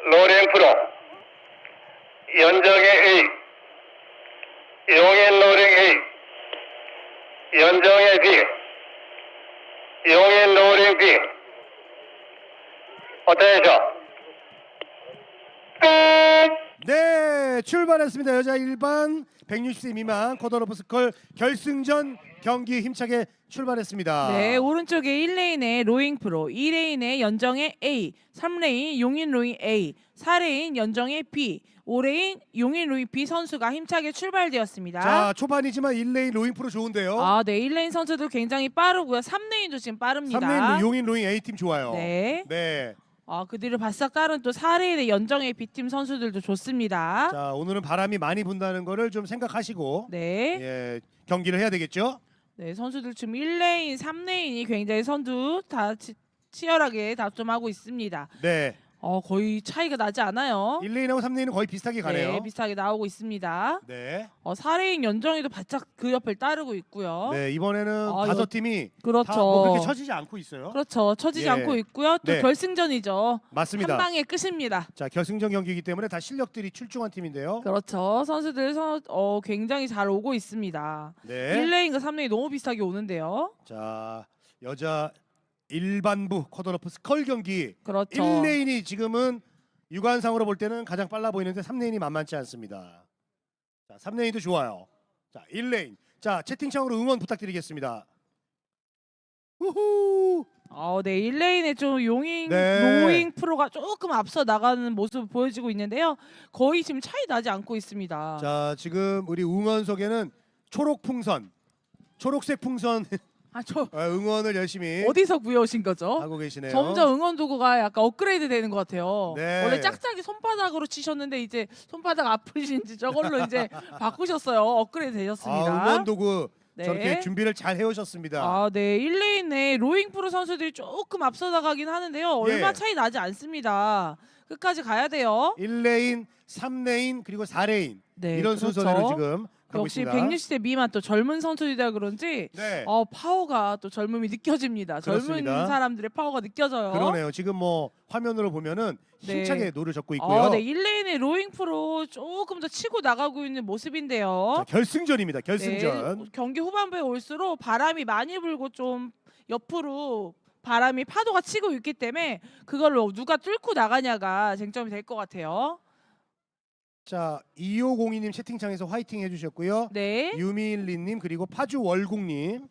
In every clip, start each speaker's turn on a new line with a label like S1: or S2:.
S1: 로링 프로, 연정의 A, 용인 로링 A, 연정의 B, 용인 로링 B. 어떠셔?
S2: 네, 출발했습니다. 여자 일반 160세 미만 쿼터러프 스컬 결승전 경기 힘차게 출발했습니다.
S3: 네, 오른쪽에 1레인의 로잉 프로, 2레인의 연정의 A, 3레인 용인 로잉 A, 4레인 연정의 B, 5레인 용인 로잉 B 선수가 힘차게 출발되었습니다.
S2: 자, 초반이지만 1레인 로잉 프로 좋은데요.
S3: 아, 네, 1레인 선수도 굉장히 빠르고요. 3레인도 지금 빠릅니다.
S2: 3레인 용인 로잉 A팀 좋아요.
S3: 네.
S2: 네.
S3: 그 뒤를 바싹 따른 또 4레인의 연정의 B팀 선수들도 좋습니다.
S2: 자, 오늘은 바람이 많이 분다는 거를 좀 생각하시고
S3: 네.
S2: 예, 경기를 해야 되겠죠?
S3: 네, 선수들 지금 1레인, 3레인이 굉장히 선두 다 치열하게 다툼하고 있습니다.
S2: 네.
S3: 거의 차이가 나지 않아요.
S2: 1레인하고 3레인은 거의 비슷하게 가네요.
S3: 네, 비슷하게 나오고 있습니다.
S2: 네.
S3: 4레인 연정이도 바짝 그 옆을 따르고 있고요.
S2: 네, 이번에는 다섯 팀이
S3: 그렇죠.
S2: 다 뭐 그렇게 처지지 않고 있어요.
S3: 그렇죠. 처지지
S2: 예.
S3: 않고 있고요. 또
S2: 네.
S3: 결승전이죠.
S2: 맞습니다.
S3: 한 방에 끝입니다.
S2: 자, 결승전 경기이기 때문에 다 실력들이 출중한 팀인데요.
S3: 그렇죠. 선수들 굉장히 잘 오고 있습니다.
S2: 네.
S3: 1레인과 3레인 너무 비슷하게 오는데요.
S2: 자, 여자 일반부 쿼터러프 스컬 경기
S3: 그렇죠.
S2: 1레인이 지금은 육안상으로 볼 때는 가장 빨라 보이는데 3레인이 만만치 않습니다. 자, 3레인도 좋아요. 자, 1레인. 자, 채팅창으로 응원 부탁드리겠습니다. 우후!
S3: 네, 1레인의 좀 용인
S2: 네.
S3: 로잉 프로가 조금 앞서 나가는 모습을 보여주고 있는데요. 거의 지금 차이 나지 않고 있습니다.
S2: 자, 지금 우리 응원석에는 초록 풍선, 초록색 풍선
S3: 저
S2: 응원을 열심히
S3: 어디서 구해오신 거죠?
S2: 하고 계시네요.
S3: 점점 응원 도구가 약간 업그레이드 되는 것 같아요.
S2: 네.
S3: 원래 짝짝이 손바닥으로 치셨는데 이제 손바닥 아프신지 저걸로 이제 바꾸셨어요. 업그레이드 되셨습니다.
S2: 응원 도구
S3: 네.
S2: 저렇게 준비를 잘 해오셨습니다.
S3: 네. 1레인의 로잉 프로 선수들이 조금 앞서 나가긴 하는데요. 얼마
S2: 예.
S3: 차이 나지 않습니다. 끝까지 가야 돼요.
S2: 1레인, 3레인 그리고 4레인
S3: 네,
S2: 이런
S3: 그렇죠.
S2: 순서대로 지금 가고
S3: 역시
S2: 있습니다.
S3: 160세 미만 또 젊은 선수이다 그런지
S2: 네.
S3: 파워가 또 젊음이 느껴집니다.
S2: 그렇습니다.
S3: 젊은 사람들의 파워가 느껴져요.
S2: 그러네요. 지금 뭐 화면으로 보면은
S3: 네.
S2: 힘차게 노를 젓고 있고요.
S3: 네, 1레인의 로잉 프로 조금 더 치고 나가고 있는 모습인데요.
S2: 자, 결승전입니다. 결승전.
S3: 네, 경기 후반부에 올수록 바람이 많이 불고 좀 옆으로 바람이 파도가 치고 있기 때문에 그걸로 누가 뚫고 나가냐가 쟁점이 될 것 같아요.
S2: 자, 2502님 채팅창에서 화이팅 해주셨고요.
S3: 네.
S2: 유미일리님 그리고 파주월국님,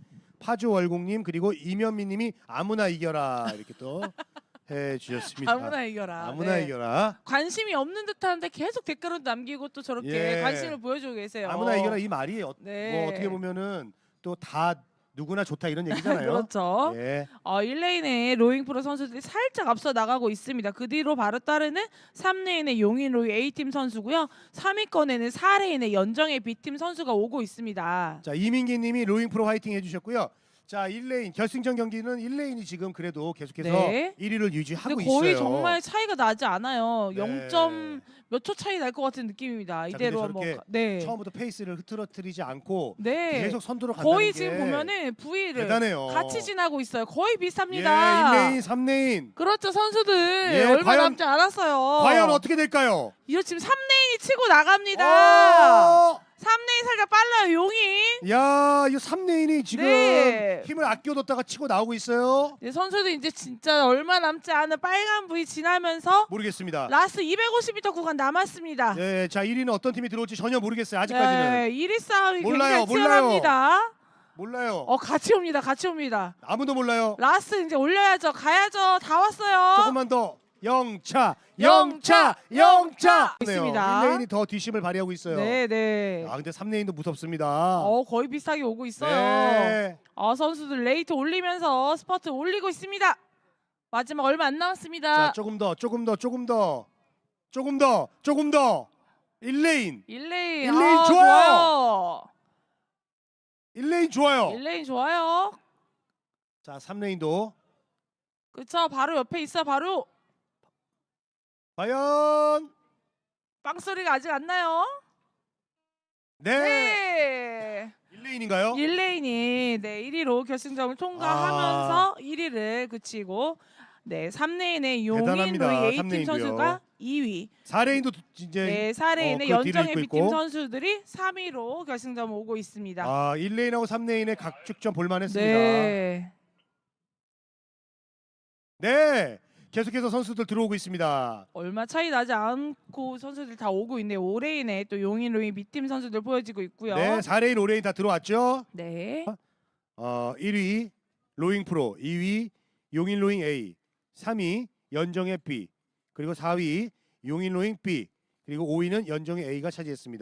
S2: 그리고 이면미님이 아무나 이겨라 이렇게 또 해주셨습니다.
S3: 아무나 이겨라.
S2: 아무나
S3: 네.
S2: 이겨라.
S3: 관심이 없는 듯한데 계속 댓글을 남기고 또 저렇게
S2: 예.
S3: 관심을 보여주고 계세요.
S2: 아무나 이겨라 이 말이
S3: 네.
S2: 뭐 어떻게 보면은 또 다 누구나 좋다 이런 얘기잖아요.
S3: 그렇죠.
S2: 예.
S3: 1레인의 로잉 프로 선수들이 살짝 앞서 나가고 있습니다. 그 뒤로 바로 따르는 3레인의 용인 로잉 A팀 선수고요. 3위권에는 4레인의 연정의 B팀 선수가 오고 있습니다.
S2: 자, 이민기님이 로잉 프로 화이팅 해주셨고요. 자, 1레인 결승전 경기는 1레인이 지금 그래도 계속해서
S3: 네.
S2: 1위를 유지하고
S3: 근데 거의
S2: 있어요.
S3: 정말 차이가 나지 않아요.
S2: 네.
S3: 0점 몇 초 차이 날 것 같은 느낌입니다.
S2: 자,
S3: 이대로
S2: 근데 저렇게
S3: 네.
S2: 처음부터 페이스를 흐트러뜨리지 않고
S3: 네.
S2: 계속 선두로 간다는
S3: 거의
S2: 게
S3: 지금 보면은 V를
S2: 대단해요.
S3: 같이 지나고 있어요. 거의
S2: 예,
S3: 비슷합니다.
S2: 1레인, 3레인.
S3: 그렇죠, 선수들
S2: 예,
S3: 얼마
S2: 과연-
S3: 남지 않았어요.
S2: 과연 어떻게 될까요?
S3: 이거 지금 3레인이 치고 나갑니다.
S2: 어!
S3: 3레인 살짝 빨라요, 용인.
S2: 야, 이 3레인이 지금
S3: 네.
S2: 힘을 아껴뒀다가 치고 나오고 있어요.
S3: 네, 선수들 이제 진짜 얼마 남지 않은 빨간 V 지나면서
S2: 모르겠습니다.
S3: 라스트 250m 구간 남았습니다.
S2: 예, 자, 1위는 어떤 팀이 들어올지 전혀 모르겠어요. 아직까지는.
S3: 네, 1위 싸움이
S2: 몰라요,
S3: 굉장히 치열합니다.
S2: 몰라요.
S3: 같이 옵니다, 같이 옵니다.
S2: 아무도 몰라요.
S3: 라스트 이제 올려야죠, 가야죠, 다 왔어요.
S2: 조금만 더. 영차.
S3: 영차.
S2: 있습니다.
S3: 있습니다.
S2: 1레인이 더 뒷심을 발휘하고 있어요.
S3: 네, 네.
S2: 근데 3레인도 무섭습니다.
S3: 거의 비슷하게 오고 있어요.
S2: 네.
S3: 선수들 레이트 올리면서 스퍼트 올리고 있습니다. 마지막 얼마 안 남았습니다.
S2: 자, 조금 더. 1레인.
S3: 1레인.
S2: 1레인 좋아요.
S3: 좋아요.
S2: 1레인 좋아요.
S3: 1레인 좋아요.
S2: 자, 3레인도
S3: 그쵸, 바로 옆에 있어. 바로
S2: 과연
S3: 빵소리가 아직 안 나요.
S2: 네.
S3: 네.
S2: 1레인인가요?
S3: 1레인이 1위로 결승점을 통과하면서 1위를 그치고 네, 3레인의 용인
S2: 대단합니다.
S3: 로이 A팀
S2: 3레인도요.
S3: 선수가 2위.
S2: 4레인도 이제
S3: 네, 4레인의
S2: 그 뒤를
S3: 연정의
S2: 잇고
S3: B팀
S2: 있고.
S3: 선수들이 3위로 결승점 오고 있습니다.
S2: 1레인하고 3레인의 각축전 볼만했습니다.
S3: 네.
S2: 네, 계속해서 선수들 들어오고 있습니다.
S3: 얼마 차이 나지 않고 선수들 다 오고 있네요. 5레인에 또 용인 로이 B팀 선수들 보여지고 있고요.
S2: 네, 4레인, 5레인 다 들어왔죠.
S3: 네.
S2: 1위 로잉 프로, 2위 용인 로잉 A, 3위 연정의 B, 그리고 4위 용인 로잉 B, 그리고 5위는 연정의 A가 차지했습니다.